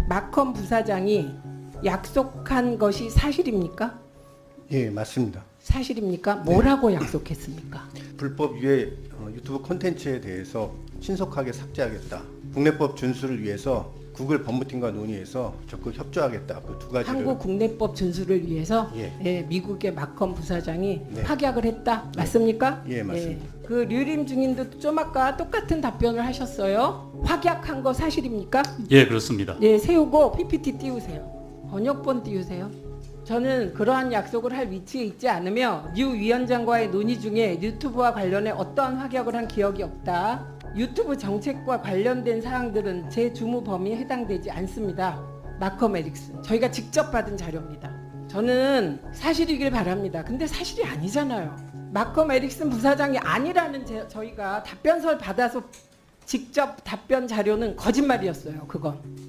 마컴 부사장이 약속한 것이 사실입니까? 예, 맞습니다. 사실입니까? 뭐라고 약속했습니까? 불법 유해 유튜브 콘텐츠에 대해서 신속하게 삭제하겠다. 국내법 준수를 위해서 구글 법무팀과 논의해서 적극 협조하겠다. 그 두 가지를. 한국 국내법 준수를 위해서 예. 미국의 마컴 부사장이 네. 확약을 했다. 맞습니까? 예, 맞습니다. 그 류림 증인도 좀 아까 똑같은 답변을 하셨어요. 확약한 거 사실입니까? 예, 그렇습니다. 네, 세우고 PPT 띄우세요. 번역본 띄우세요. 저는 그러한 약속을 할 위치에 있지 않으며 류 위원장과의 논의 중에 유튜브와 관련해 어떠한 확약을 한 기억이 없다. 유튜브 정책과 관련된 사항들은 제 주무 범위에 해당되지 않습니다. 마컴 에릭슨. 저희가 직접 받은 자료입니다. 저는 사실이길 바랍니다. 근데 사실이 아니잖아요. 마컴 에릭슨 부사장이 아니라는 저희가 답변서를 받아서 직접 답변 자료는 거짓말이었어요. 그건.